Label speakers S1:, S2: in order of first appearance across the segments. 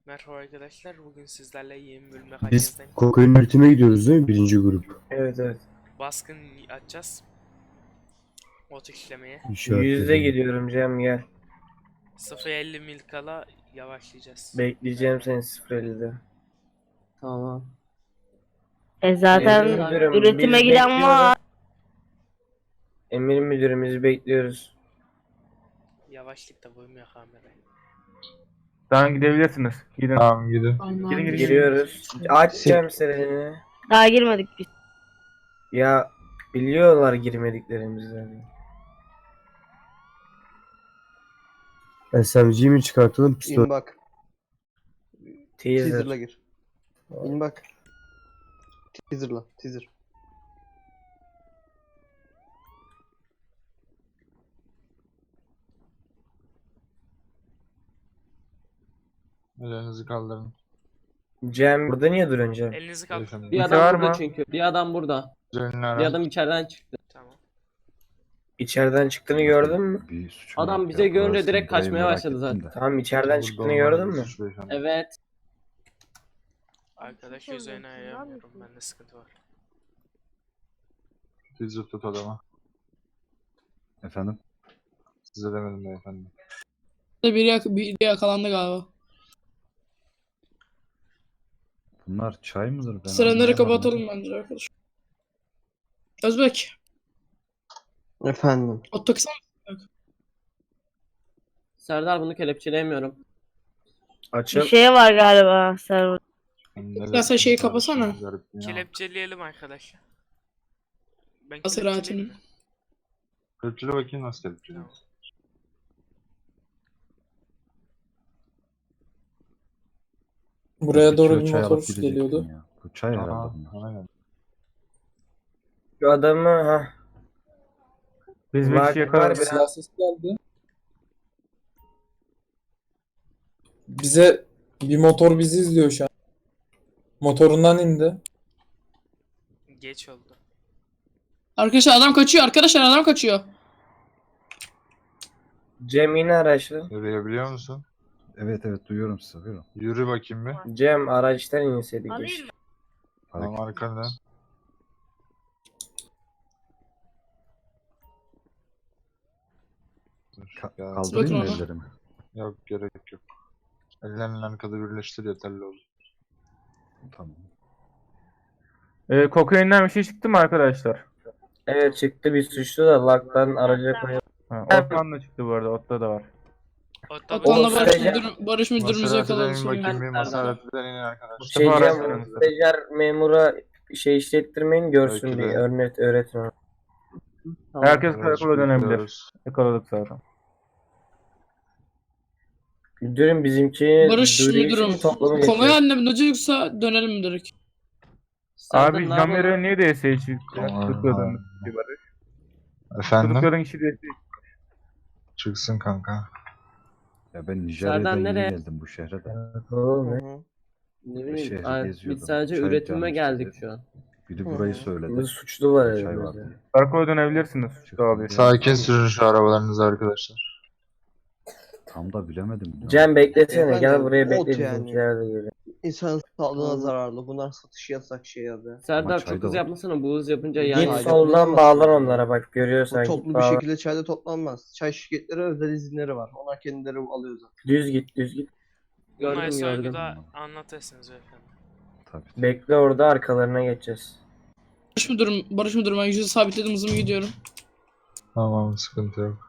S1: Merhaba arkadaşlar, bugün sizlerle yeni bölüm
S2: Biz
S1: mekanizden
S2: kokain üretime gidiyoruz değil mi? Birinci grup.
S3: Evet.
S1: baskın açacağız. Ot işlemeye.
S3: Yüzde
S2: İşaretledim.
S3: gidiyorum Cem, gel.
S1: 0.50 mil kala yavaşlayacağız.
S3: Bekleyeceğim seni 0.50'de.
S4: Tamam.
S5: Zaten
S3: Emir müdürüm,
S5: üretime
S3: biz
S5: giden
S3: bekliyoruz.
S5: var.
S3: Emir müdürüm, biz bekliyoruz.
S1: Yavaşlıkta koymuyor kamerayı.
S6: Tamam gidebilirsiniz. Gidin.
S7: Tamam gidin.
S6: Gidin.
S3: Giriyoruz. Aç Cem serini.
S5: Daha girmedik biz.
S3: Ya biliyorlar girmediklerimizi.
S2: SMG'yi mi çıkartalım pistol?
S8: İn bak. Teaser'la
S3: Teaser.
S8: gir. İn bak. Teaser'la. Teaser.
S7: Ellerinizi kaldırın.
S3: Cem burada niye duruyorsun Cem?
S1: Elinizi kaldır.
S7: Beyefendi.
S4: Bir
S6: Kimse
S4: adam
S6: var
S4: burada
S6: mı?
S4: çünkü. Bir adam burada.
S7: Üzerine
S4: Bir
S7: ara.
S4: adam içeriden çıktı.
S1: Tamam.
S3: İçeriden çıktığını gördün mü?
S9: Bir suçum
S4: Adam
S9: yok
S4: bize
S9: ya,
S4: görünce
S9: burası
S4: direkt
S9: burayı
S4: kaçmaya
S9: merak
S4: başladı
S9: ettim
S4: zaten.
S9: de.
S3: Tamam, içeriden
S7: Burada
S3: çıktığını
S7: olmaz
S3: gördün
S7: bir
S3: mü?
S7: suç beyefendi.
S4: Evet.
S1: Arkadaş üzerine ayırmıyorum, bende sıkıntı var.
S7: Teaser tut adama.
S9: Efendim?
S7: Size demedim beyefendi.
S10: Biri yakalandı galiba.
S9: Bunlar çay mıdır? Ben
S10: Sıraları
S9: anlayamadım.
S10: kapatalım bence arkadaş. Özbek,
S8: Efendim.
S10: o taksana.
S4: Serdar bunu kelepçeleyemiyorum.
S5: Bir
S3: Açıl.
S5: şey var galiba server.
S10: Ya sen şeyi kapasana.
S1: Kelepçeleyelim arkadaşlar. Ben
S10: Maseratini.
S1: kelepçeleyeyim mi?
S7: Kelepçele bakayım nasıl kelepçele.
S1: Tamam.
S10: Buraya doğru
S9: İçiyor,
S10: bir
S9: çay
S10: motor
S9: alıp gidecektim
S10: geliyordu.
S9: ya. Bu çay herhalde
S7: Aha,
S9: bunlar.
S7: aynen.
S3: Şu adamı ha.
S6: Biz bir
S3: Var-
S6: kişi
S3: var
S6: yakaladık.
S3: biraz.
S10: Silah sesi geldi. Bize bir motor bizi izliyor şu an. Motorundan indi.
S1: Geç oldu.
S10: Arkadaşlar adam kaçıyor. Arkadaşlar adam kaçıyor.
S3: Cem yine araçla.
S7: Yürüyebiliyor musun?
S9: Evet evet duyuyorum sizi. Buyurun.
S7: Yürü bakayım bir.
S3: Cem araçtan inseydik
S5: Alayım
S3: keşke.
S5: mı?
S7: Tamam arkandan. Dur, ya.
S9: Kaldırayım mı
S10: Bakın ona.
S9: ellerimi?
S7: Yok gerek yok. Ellerini arkada birleştir yeterli olur.
S9: Tamam.
S6: Kokainden bir şey çıktı mı arkadaşlar?
S3: Evet, çıktı bir suçlu da laktan araca koyuyor.
S6: Ha, Otman da çıktı bu arada. Otta da var.
S1: Otta
S10: Otanla
S3: Oğlum,
S10: Barış müdürümüzü
S7: Maserati'den
S10: yakaladı
S7: in bakayım
S10: sonra.
S7: bir Maserati'den in arkadaşlar.
S3: Şey
S6: Mustafa
S3: Cem,
S6: araçlarını Mustafa.
S3: stajyer memura şey işlettirmeyin, görsün
S7: Belki
S3: diye
S7: de.
S3: öğretin onu.
S4: Tamam.
S6: Herkes karakola dönebilir.
S7: Bekliyoruz.
S6: Yakaladık zaten.
S3: Müdürüm bizimki
S10: Barış
S3: duyuruyor
S10: müdürüm.
S3: için toplamı
S10: Konvoy
S3: geçiyor.
S10: haline bineceksa dönelim direkt.
S4: Serdar
S6: Abi
S4: ne yapalım?
S6: Jamer'e niye DS'ye çıktı?
S7: Tamam.
S6: Tutukladığımız kişi var.
S7: Efendim?
S6: Tutukladığın kişi DS'ye
S7: Çıksın kanka.
S9: Ya ben
S4: Serdar
S9: Nijerya'dan yeni
S4: nereye?
S9: geldim bu şehre de.
S3: Oğlum,
S8: Hı
S3: ne?
S8: hı.
S4: Ne
S9: şehri
S4: bileyim. Ay,
S9: geziyordum.
S4: biz sadece
S9: Çay
S4: üretime
S9: canım
S4: geldik
S9: istedi.
S4: şu an.
S9: Biri burayı
S8: Hı hı.
S9: söyledi.
S3: Bir suçlu var
S9: Çay
S3: elimizde.
S9: var diye.
S6: Karakola dönebilirsiniz. Abi.
S7: Sakin sürün şu arabalarınızı arkadaşlar.
S9: Tam da bilemedim. ya.
S3: Cem beklesene,
S8: Efendim,
S3: gel buraya
S8: ot
S3: bekle,
S8: yani.
S3: bizimkiler de geliyor.
S8: İnsan sağlığına zararlı. Bunlar satış yasak şey abi.
S4: Serdar
S9: çay
S4: çok
S9: da
S4: hızlı
S9: var.
S4: yapmasana. Bu hız yapınca
S3: Git
S4: yani.
S8: Çay
S3: soldan
S8: yapılamaz.
S3: bağlan onlara, bak
S8: Bu
S3: görüyorsan git
S8: toplu bir
S3: bağlan.
S8: şekilde çayda toplanmaz. Çay şirketleri özel izinleri var. Onlar kendileri alıyor zaten.
S3: Düz git, düz git.
S1: Bunları
S4: Gördüm gördüm.
S1: sorguda anlatırsınız efendim.
S9: Tabii.
S3: Bekle orada, arkalarına geçeceğiz.
S10: Barış müdürüm ben yüzü sabitledim hızımı gidiyorum.
S7: Tamam sıkıntı yok.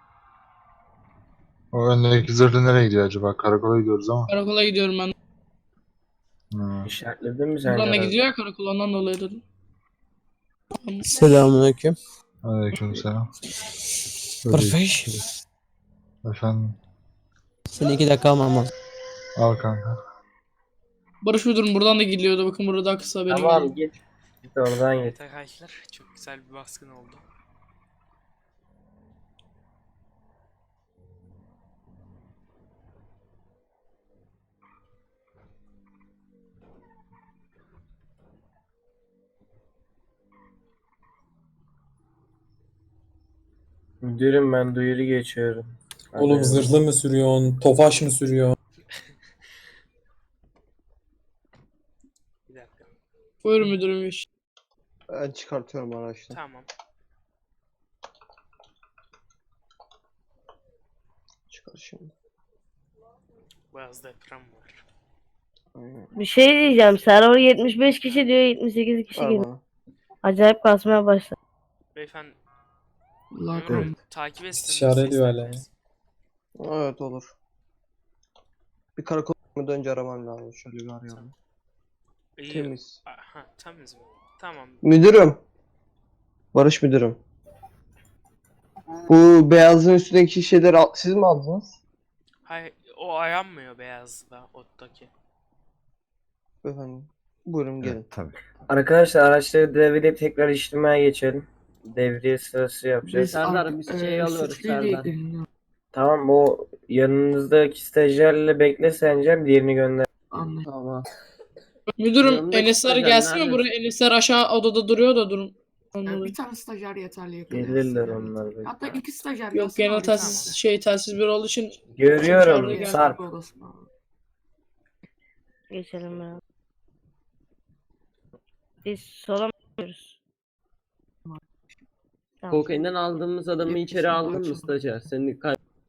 S7: O öndeki zırhlı nereye gidiyor acaba? Karakola gidiyoruz ama.
S10: Karakola gidiyorum ben.
S7: Hı.
S3: İşaretledin mi sen?
S10: Buradan da
S3: herhalde?
S10: gidiyor ya karakol ondan dolayı dedim.
S8: Selamünaleyküm.
S7: Aleykümselam.
S8: Perfect.
S7: Efendim.
S8: Seni 2 dakika almam lazım.
S7: Al kanka.
S10: Barış müdürüm buradan da gidiyordu. Bakın burada daha kısa benim.
S3: Tamam git. Git oradan git.
S1: Evet arkadaşlar, çok güzel bir baskın oldu.
S3: Müdürüm ben duyuru geçiyorum.
S10: Oğlum
S3: Hadi.
S10: zırhlı mı sürüyorsun? Tofaş mı sürüyor?
S11: Buyur müdürüm iş.
S8: Ben çıkartıyorum araçtan.
S1: Tamam.
S8: Çıkar şimdi.
S1: Biraz deprem var.
S8: Aynen.
S5: Bir şey diyeceğim. Server 75 kişi diyor, 78 kişi
S8: Ver
S5: geliyor.
S8: bana.
S5: Acayip kasmaya başladı.
S1: Beyefendi
S11: Allah
S1: memur
S11: korusun.
S1: takip etsin.
S10: İşaret
S1: bizi
S10: ediyor hala ya.
S1: isterseniz.
S8: Evet olur. Bir karakol önce aramam lazım. Şöyle bir arayalım.
S1: İyi.
S8: Temiz.
S1: Aha, temiz mi? Tamam.
S8: Müdürüm. Barış müdürüm. Bu beyazın üstündeki şeyleri siz mi aldınız?
S1: Hayır, o aranmıyor beyazda ottaki.
S8: Efendim. Buyurun gelin.
S9: Evet, tabii.
S3: Arkadaşlar araçları devreleyip tekrar işlemeye geçelim. Devriye sırası yapacağız.
S4: Serdar biz şeyi alıyoruz
S11: suçluyla
S4: Serdar.
S11: ilgileniyor.
S3: Tamam, o yanınızdaki stajyerle bekle Sencer, diğerini gönder.
S11: Anladım.
S4: Tamam.
S11: Müdürüm
S4: Yanındaki
S11: Enesler
S4: stajyer
S11: gelsin mi
S4: nerede?
S11: buraya? Enesler aşağı odada duruyor da durum.
S12: Bir tane stajyer yeterli
S3: Gelirler onlar. bekle.
S12: Hatta 2 stajyer
S11: Yok
S12: gelsin,
S11: genel
S12: abi,
S11: telsiz bir olduğu için
S3: Görüyorum
S11: Dışarıda
S3: Sarp.
S12: tamam. Odasına.
S5: Geçelim ya. Biz sola mı gidiyoruz? Tamam,
S4: Kokainden aldığımız adamı içeri aldın mı stajyer? Seni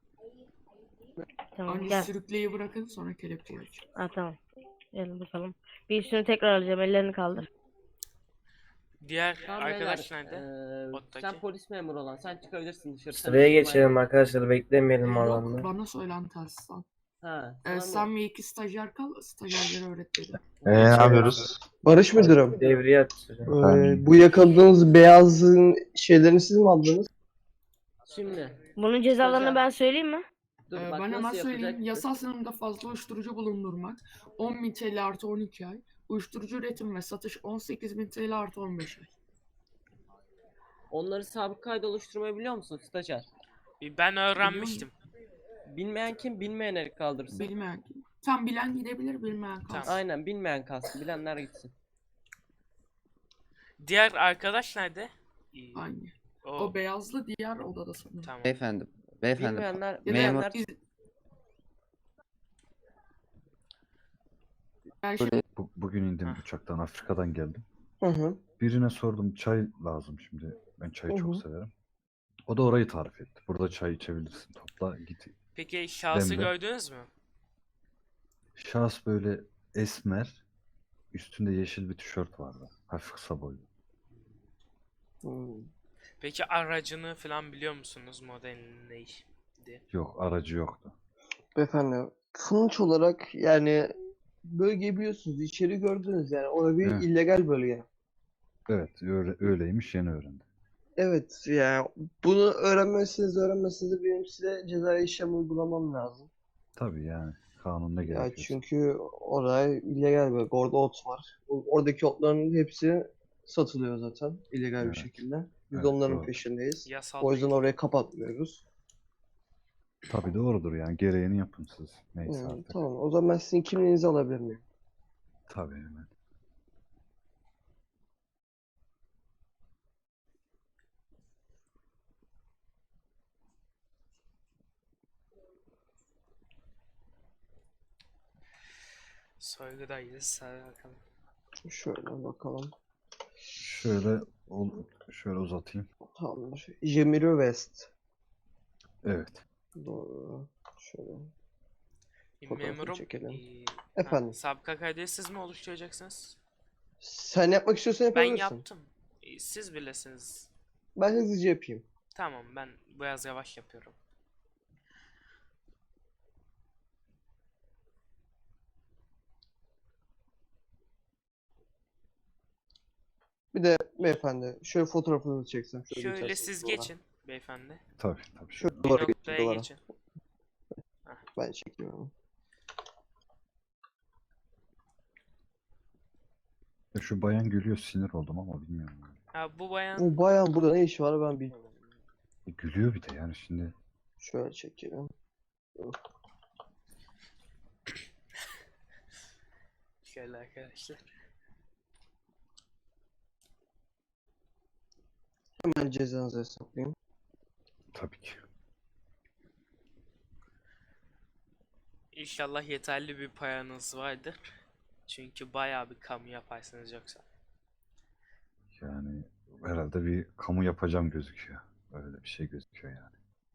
S5: tamam
S12: Önce
S5: gel.
S12: sürükleyi bırakın, sonra kelepçeyi açın.
S5: Ha tamam. Gelin bakalım. Bir üstünü tekrar alacağım. Ellerini kaldır.
S1: Diğer
S4: Tamam,
S1: arkadaş
S4: beyler,
S1: nerede? Ottaki.
S4: sen polis memuru olan sen çıkabilirsin dışarı. Sen
S3: Sıraya
S4: çıkma.
S3: geçelim arkadaşlar, beklemeyelim alanda.
S12: Yok, bana söylen telsizden.
S4: Ha, sana
S12: Sen
S4: mı?
S12: ve 2 stajyer kal, stajyerlere öğret dedi.
S7: Ne yapıyoruz?
S8: Barış müdürüm.
S3: Devriye atacağım.
S8: Bu yakaladığınız beyazın şeylerini siz mi aldınız?
S4: Şimdi.
S5: Bunun cezalarını
S4: Stajyer.
S5: ben söyleyeyim mi?
S4: Dur
S12: Ben
S4: bak
S12: hemen
S4: nasıl
S12: söyleyeyim.
S4: yapacaktık?
S12: Yasal sınırında fazla uyuşturucu bulundurmak 10.000 TL artı 12 ay. Uyuşturucu üretim ve satış 18.000 TL artı 15 ay.
S4: Onları sabık kaydı oluşturmayı biliyor musun stajyer?
S1: Ben öğrenmiştim.
S4: Bilmeyen kim? Bilmeyen el kaldırsın.
S12: Bilmeyen kim? Tam bilen gidebilir, bilmeyen kalsın.
S1: Tamam.
S4: Aynen bilmeyen kalsın. Bilenler gitsin.
S1: Diğer arkadaş nerede?
S12: Aynı.
S1: O,
S12: O beyazlı diğer odada sanırım.
S1: tamam.
S13: Beyefendi,
S4: Bilmeyenler,
S12: Ya da
S4: bilmeyenler
S12: biz- Belki
S9: Bugün indim
S1: Hah.
S9: uçaktan, Afrika'dan geldim.
S8: Hı hı.
S9: Birine sordum, çay lazım şimdi. Ben çayı
S8: Hı
S9: çok
S8: hı.
S9: severim. O da orayı tarif etti. Burada çay içebilirsin. Topla git.
S1: Peki şahsı
S9: Demle.
S1: gördünüz mü?
S9: Şahıs böyle esmer. Üstünde yeşil bir tişört vardı. Hafif kısa boylu.
S8: Hmm.
S1: Peki aracını falan biliyor musunuz? Modelini neydi?
S9: Yok, aracı yoktu.
S8: Beyefendi, sonuç olarak yani bölgeyi biliyorsunuz, içeri gördünüz yani. Orada bir
S9: Evet.
S8: illegal bölge.
S9: Evet, öyleymiş, yeni öğrendim.
S8: Evet, yani bunu öğrenmezseniz de benim size cezai işlem uygulamam lazım.
S9: Tabii yani, kanunda
S8: Ya
S9: gerekiyor.
S8: çünkü orada illegal bölge, orada ot var. Oradaki otların hepsi satılıyor zaten illegal bir
S9: Evet.
S8: şekilde. Biz
S9: Evet,
S8: de onların
S9: doğru.
S8: peşindeyiz.
S1: Yasal
S8: O yüzden
S1: değil.
S8: orayı kapatmıyoruz.
S9: Tabii doğrudur yani, gereğini yapın siz. Neyse
S8: Yani,
S9: artık.
S8: tamam, o zaman ben sizin kimliğinizi alabilir miyim?
S9: Tabii hemen.
S1: Soygudayız. Hadi bakalım.
S8: Şöyle bakalım.
S9: Şöyle uzatayım.
S8: Tamamdır. Jemiro West.
S9: Evet.
S8: Doğru. Şöyle. Fotoğrafını
S1: Memurum.
S8: çekelim.
S1: Ha,
S8: Efendim.
S1: sabıka kaydı siz mi oluşturacaksınız?
S8: Sen yapmak istiyorsan
S1: Ben
S8: yapabilirsin.
S1: yaptım. Siz bilesiniz.
S8: Ben hızlıca yapayım.
S1: Tamam, ben biraz yavaş yapıyorum.
S8: Bir de beyefendi şöyle fotoğrafınızı çeksem.
S1: Şöyle
S8: geçersiniz
S1: siz
S8: duvara.
S1: geçin beyefendi.
S9: Tabii.
S8: Şöyle
S1: Bir
S8: duvara geçin,
S1: noktaya
S8: duvara.
S1: geçin.
S8: Ben çekeyim onu.
S9: Ya şu bayan gülüyor, sinir oldum ama bilmiyorum. Yani.
S1: Ha, bu bayan
S8: Bu bayan burada ne işi var ben bilmiyorum.
S9: Gülüyor bir de yani şimdi.
S8: Şöyle çekelim.
S1: şöyle arkadaşlar.
S8: Hemen cezanızı hesaplayayım.
S9: Tabii ki.
S1: İnşallah yeterli bir paranız vardır. Çünkü bayağı bir kamu yaparsınız yoksa.
S9: Yani herhalde bir kamu yapacağım gözüküyor. Öyle bir şey gözüküyor yani.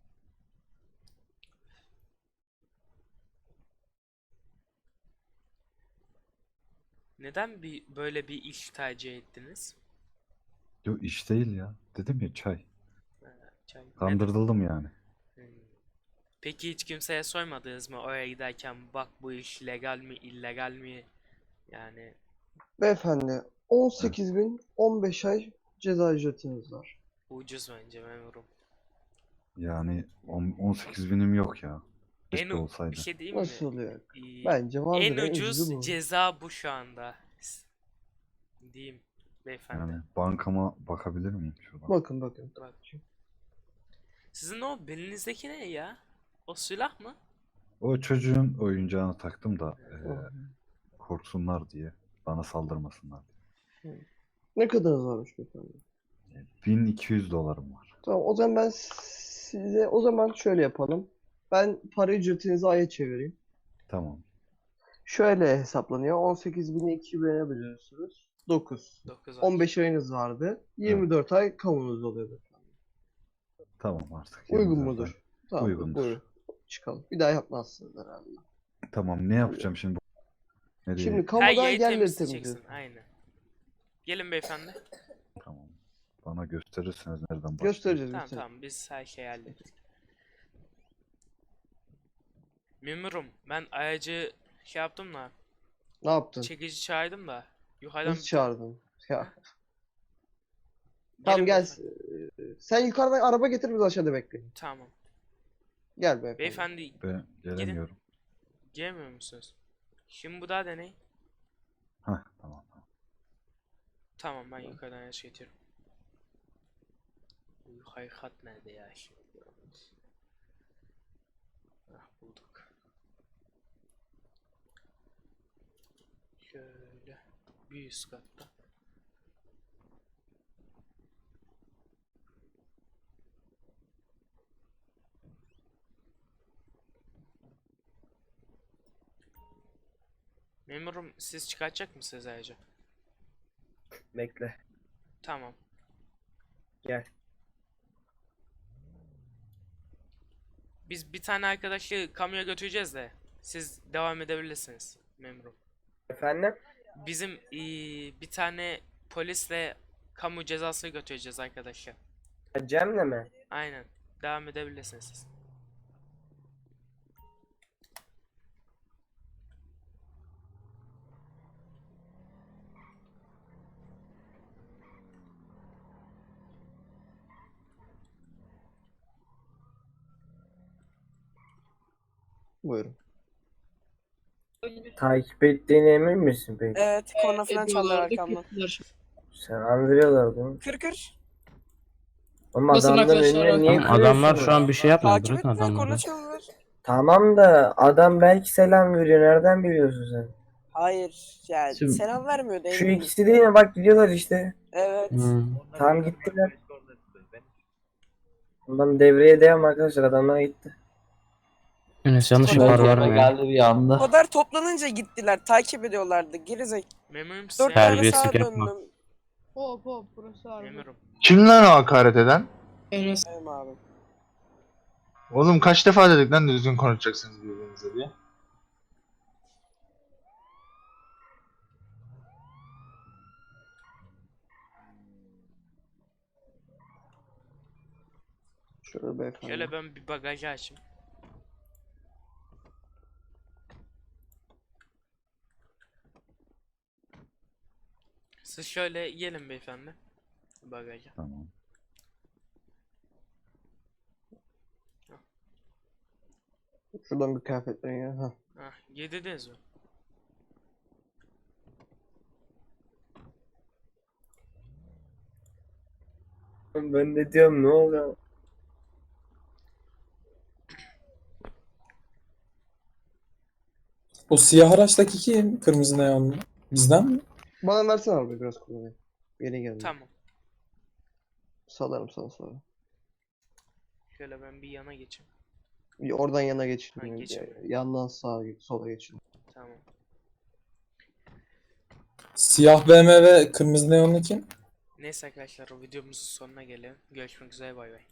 S1: Neden böyle bir iş tercih ettiniz?
S9: Yok iş değil ya. Dedim ya çay.
S1: Neden?
S9: Kandırıldım yani.
S1: Hmm. Peki hiç kimseye sormadınız mı oraya giderken bak bu iş legal mi illegal mi? Yani
S8: Beyefendi 18.000 15 ay ceza ücretiniz var.
S1: ucuz bence memurum.
S9: Yani 18 binim yok ya.
S1: En
S9: Keşke
S1: bir
S9: olsaydı.
S1: şey diyeyim mi?
S8: Nasıl oluyor?
S1: Ee,
S8: Bence vardır
S1: en
S8: ucuzu
S1: ucuz
S8: bu.
S1: ceza bu şu anda. Diyeyim beyefendi.
S9: Yani bankama bakabilir miyim şuradan?
S8: Bakın bakın.
S1: Bak. Sizin o belinizdeki ne ya? O silah mı?
S9: O çocuğun oyuncağını taktım da korksunlar diye. Bana saldırmasınlar diye.
S8: Ne kadarınız varmış beyefendi?
S9: 1200 dolarım var.
S8: Tamam o zaman ben size o zaman şöyle yapalım. Ben para ücretinizi aya çevireyim.
S9: Tamam.
S8: Şöyle hesaplanıyor. 18.000'i 2'ye bölüyorsunuz. 9.
S1: 9
S8: 15 ayınız vardı. 24 ay kamunuz oluyordu.
S9: Tamam artık.
S8: Uygun
S9: 24
S8: mudur?
S9: ay.
S8: Tamam,
S9: Uygundur.
S8: buyurun. Çıkalım. Bir daha yapmazsınız herhalde.
S9: Tamam ne yapacağım şimdi? Nereye?
S8: Şimdi
S1: Her
S8: kamuda
S1: yeri
S8: yerleri
S1: temizleyeceksin.
S8: temizliyorsun.
S1: Aynen. Gelin beyefendi.
S9: Tamam. Bana gösterirseniz nereden başlayayım?
S8: Göstereceğiz.
S1: Tamam
S8: göstereceğiz.
S1: tamam biz her şeyi hallettik. Memurum ben aracı şey yaptım da
S8: Ne yaptın?
S1: çekici çağırdım da yukarıdan
S8: Nasıl çağırdın? Ya.
S1: Gelin
S8: Tamam gel.
S1: beyefendi.
S8: Sen yukarıdan araba getir biz aşağıda bekleyin.
S1: Tamam.
S8: Gel beyefendi.
S1: Beyefendi
S9: Ben gelemiyorum.
S1: gelmiyor musunuz? Şimdi bu da deney.
S9: Hah tamam.
S1: Tamam ben yukarıdan araç getiriyorum. Bu yukarı kat nerede ya şimdi? Ah bulduk. Şöyle bir üst katta. Memurum siz çıkartacak mısınız ayrıca?
S3: Bekle.
S1: Tamam.
S3: Gel.
S1: Biz bir tane arkadaşı kamuya götüreceğiz de siz devam edebilirsiniz memurum.
S3: Efendim?
S1: Bizim bir tane polisle kamu cezası götüreceğiz arkadaşlar.
S3: Cem'le mi?
S1: Aynen. Devam edebilirsiniz siz.
S8: Buyurun.
S3: Takip ettiğine emin misin peki?
S13: Evet, korna falan çaldılar arkamdan.
S3: Sen andırıyorlar değil mi?
S13: Kır.
S3: Ama
S11: Basın
S3: adamların
S11: arkadaşlar,
S3: önüne niye
S10: Adamlar şu an
S3: kırıyorsunuz?
S10: bir şey yapmıyor.
S13: Takip
S10: Bırakın
S13: ettiler, korna
S10: adamları.
S13: çaldılar.
S3: Tamam da adam belki selam veriyor. Nereden biliyorsun sen?
S13: Hayır, yani
S10: Şimdi-
S13: selam vermiyordu
S3: Şu
S13: eminim.
S3: ikisi değil mi? Bak gidiyorlar işte.
S13: Evet.
S3: Tamam gittiler. Adam devreye devam arkadaşlar. Adamlar gitti.
S10: Enes yanlış
S13: Tamam,
S10: ihbar verme ya.
S11: bir anda.
S13: O kadar toplanınca gittiler, takip ediyorlardı. Gerizek.
S1: Memurum size.
S13: 4 tane
S10: Terbiyesizlik
S13: sağa
S10: yapma.
S13: döndüm.
S11: Hop burası harbi.
S1: Memurum.
S7: Kim lan o hakaret eden?
S11: Enes.
S13: Benim abi.
S7: Oğlum kaç defa dedik lan düzgün konuşacaksınız birbirinize diye.
S8: Şöyle beyefendi.
S1: Şöyle ben bir bagajı açayım. Siz şöyle gelin beyefendi. Bagaja.
S9: Tamam.
S8: Şuradan bir kıyafetlerin ya. Hah.
S1: Hah, yediniz mi?
S3: Ben de diyorum ne oluyor?
S10: O siyah araçtaki kim? Kırmızı neonlu. Bizden mi?
S8: Bana versene abi biraz kullanayım. Yeni geldi.
S1: Tamam.
S8: Salarım sana sonra.
S1: Şöyle ben bir yana geçeyim.
S8: Oradan yana geçin.
S1: Ha, geçeyim.
S8: Yandan sağa sola geçin.
S1: Tamam.
S10: Siyah BMW, kırmızı neonlu kim?
S1: Neyse arkadaşlar o videomuzun sonuna gelelim. Görüşmek üzere bay bay.